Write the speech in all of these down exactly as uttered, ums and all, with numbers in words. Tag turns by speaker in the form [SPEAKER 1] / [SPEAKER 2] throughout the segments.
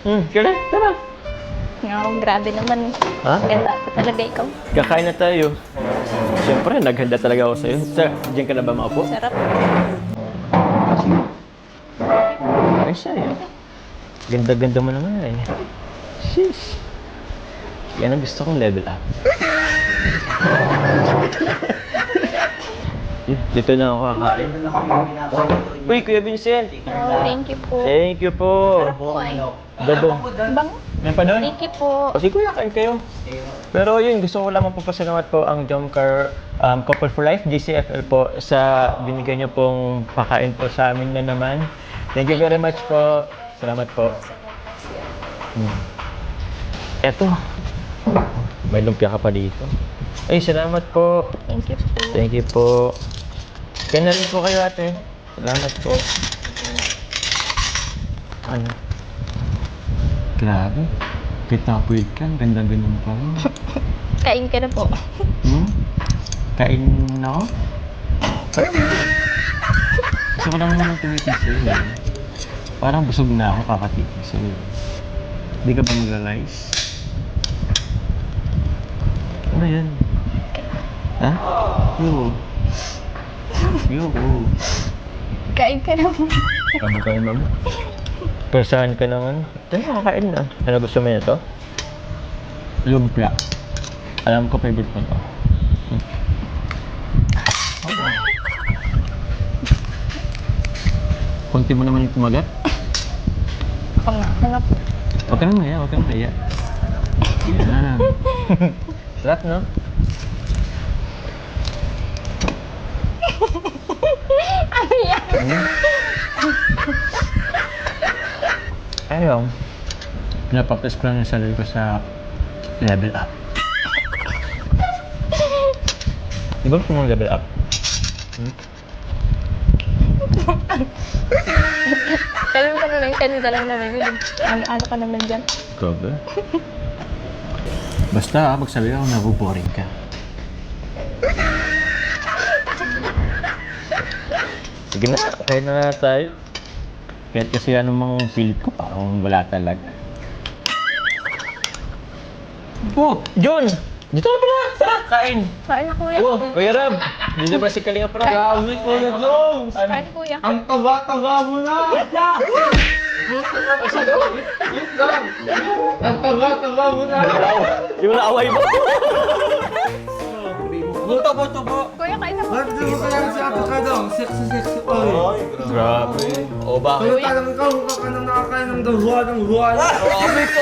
[SPEAKER 1] Hmm, tara, tara.
[SPEAKER 2] Oh, grabe naman.
[SPEAKER 1] Ha?
[SPEAKER 2] Ganda ko talaga ikaw.
[SPEAKER 1] Kakain na tayo. Siyempre, naghanda talaga ako sa'yo. Sir, diyan ka na ba maupo?
[SPEAKER 2] Sarap.
[SPEAKER 1] Ay, siya eh. Ganda-ganda mo naman eh. Sheesh. Yan ang gusto kong level up. Dito na ako kakain. Uy, Kuya Vincent!
[SPEAKER 2] Oh, thank you po.
[SPEAKER 1] Thank you po!
[SPEAKER 2] Po ay.
[SPEAKER 1] Dadong.
[SPEAKER 2] Bang?
[SPEAKER 1] May pa doon?
[SPEAKER 2] Thank you po.
[SPEAKER 1] O, sige Kuya, kain kayo. Pero yun, gusto ko lamang papasalamat po ang Jomcar um, Couple for Life, J C F L po, sa binigay niyo pong pakain po sa amin na naman. Thank you very much po. Salamat po. Hmm. Eto. May lumpia ka pa dito. Ay, salamat po.
[SPEAKER 2] Thank you po.
[SPEAKER 1] Thank you po. Kaya na rin po kayo ate. Salamat po. Ano? Grabe. Pitapuit ka. Ganda-ganda mo pa rin.
[SPEAKER 2] Kain ka na po.
[SPEAKER 1] Hmm? Kain na ako? Gusto ko lang naman tumitig sa'yo. eh. Parang busog na ako kakatitig sa'yo. Hindi ka ba mag-realize? Ano yan? Ha? Yo. Yo.
[SPEAKER 2] Kain ka na po.
[SPEAKER 1] Sabi ka naman. Persahan ka naman. Ito na, kakain na. Ano gusto mo nito? Lumpia. Alam ko favorite mo to. Hmm. Kunti mo naman yung tumagat.
[SPEAKER 2] Oo nga. Nga po.
[SPEAKER 1] Huwag ka nang maya, huwag ka nang maya. Yan. Sarap, no?
[SPEAKER 2] Ano yan?
[SPEAKER 1] Hmm? Ayaw. Pinapapres ko lang yung sarili ko sa level up. Di ba gusto mong level up? Hmm?
[SPEAKER 2] Sabi mo ka naman, kanina lang naman yun. Ano-ano ka naman dyan?
[SPEAKER 1] Grabe. Basta, magsabi ako nabuboring ka. Sige na, kain na na tayo. Kahit kasi anong mga pilit ko, parang wala talaga. Oh, John! Dito na pala! Tara, kain!
[SPEAKER 2] Kain na kuya.
[SPEAKER 1] Oh, Kuya Rab! Dito ba si Kalinga Prab?
[SPEAKER 3] Grabe ko na Dong!
[SPEAKER 2] Kain kuya.
[SPEAKER 3] Ang taba-taba mo na! Ang taba-taba mo na!
[SPEAKER 1] Yung naaway mo!
[SPEAKER 3] Buto, buto, buto!
[SPEAKER 2] Kuya, kain na po.
[SPEAKER 3] Ba't di mo pa lang si Apo ka Dong? Sexy, sexy oy!
[SPEAKER 1] Grabe. O ba?
[SPEAKER 3] Kaya talagang ikaw, mukha ka nang nakakain ng dahuan ng huwan!
[SPEAKER 1] Grabe ko!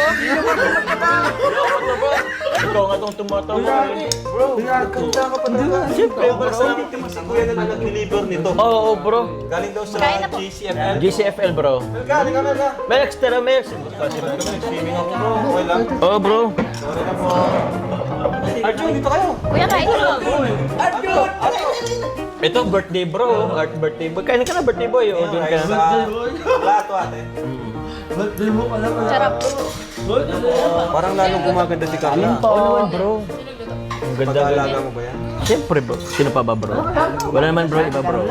[SPEAKER 1] Ikaw nga itong tumatawa.
[SPEAKER 3] Bro, pinagkanta ka pa talaga!
[SPEAKER 1] Siyempre, bro.
[SPEAKER 4] Hindi mo si Kuya na nag-deliver nito.
[SPEAKER 1] Oo, oh, bro.
[SPEAKER 4] Galing daw sa
[SPEAKER 2] Kain na po.
[SPEAKER 4] G C F L.
[SPEAKER 1] G C F L, bro.
[SPEAKER 4] Galing ka na na.
[SPEAKER 1] May extra meals.
[SPEAKER 4] Nag-swimming ako bro. Okay lang.
[SPEAKER 1] Oo, oh, bro.
[SPEAKER 4] Sorry na po. Arjun, dito kayo.
[SPEAKER 2] Kuya, kain na po.
[SPEAKER 4] Arjun!
[SPEAKER 1] Ito, birthday, bro. Art birthday boy. Kain ka na, birthday boy. O, doon ka na.
[SPEAKER 4] Sa plato ate.
[SPEAKER 3] Ba't di mo pala pala?
[SPEAKER 2] Sarap.
[SPEAKER 4] Parang lalong gumaganda si Carla.
[SPEAKER 1] Oo naman, bro. Ang ganda,
[SPEAKER 4] Pag-aalaga
[SPEAKER 1] ganda.
[SPEAKER 4] mo ba yan?
[SPEAKER 1] Siyempre, bro. Sino pa ba, bro? Wala naman, bro. Iba, bro.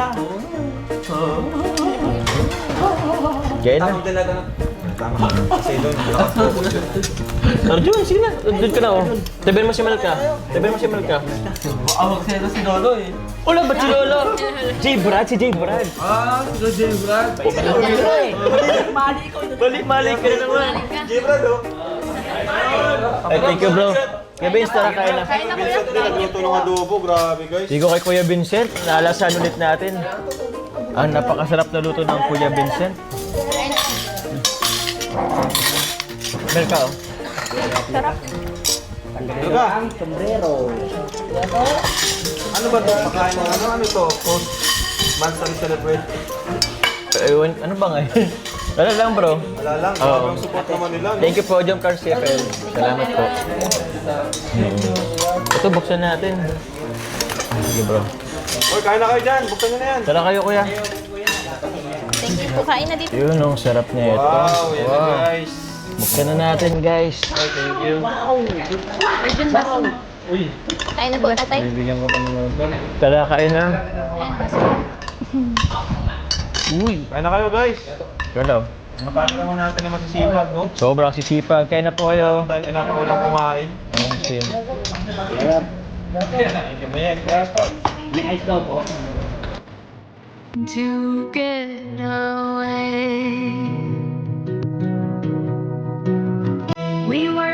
[SPEAKER 1] Kaya na.
[SPEAKER 4] Tama talaga na. Tama. Kasi doon.
[SPEAKER 1] Arjun, sige na. Doon ka na, oh. Tabihan mo si Malka. Tabihan mo si Malka.
[SPEAKER 3] Awag sa'yo si Lolo eh!
[SPEAKER 1] Wala ba si Lolo? J. Brad, si J. Brad.
[SPEAKER 3] Ah, si Jay Brad!
[SPEAKER 1] Balik-malik ka na naman.
[SPEAKER 4] Jibra do.
[SPEAKER 1] Ay, thank you, bro. Kuya Vince, tara kain na.
[SPEAKER 2] Kain na kuya.
[SPEAKER 4] Vincent din nagluto ng adobo. Grabe guys.
[SPEAKER 1] Hindi ko kay Kuya Vincent. Naalasan ulit natin. Ang napakasarap na luto ng Kuya Vincent. Melka, oh.
[SPEAKER 2] Sarap.
[SPEAKER 4] Talaga. Ano ba ito? Pakain ng ano? Ano ito? Post monthly celebration.
[SPEAKER 1] Ewan, ano ba ngayon? Wala lang, bro.
[SPEAKER 4] Wala lang.
[SPEAKER 1] Oo.
[SPEAKER 4] Grabe ang support naman nila. no?
[SPEAKER 1] Thank you po, Jomcar C F L. Salamat po. Hmm. Ito, buksan natin. Sige, bro.
[SPEAKER 4] Uy, kain na kayo dyan. Buksan nyo na yan.
[SPEAKER 1] Tara kayo, kuya.
[SPEAKER 2] Thank you po. Kain na dito.
[SPEAKER 1] Yun, ang sarap niya ito.
[SPEAKER 4] Wow, yan na guys.
[SPEAKER 1] Buksan na natin, guys.
[SPEAKER 4] Thank you.
[SPEAKER 2] Arjun, baso. Kain na po, tatay.
[SPEAKER 1] Bibigyan ko pa ng Tara, kain na. Uy,
[SPEAKER 4] Kain na kayo guys.
[SPEAKER 1] Hello.
[SPEAKER 4] Napano naman natin na masisipag, no?
[SPEAKER 1] Sobrang sisipag. Kaya na po kayo.
[SPEAKER 4] Dahil anak ko lang kumain.
[SPEAKER 1] Ayun, sin.
[SPEAKER 2] To get away. We were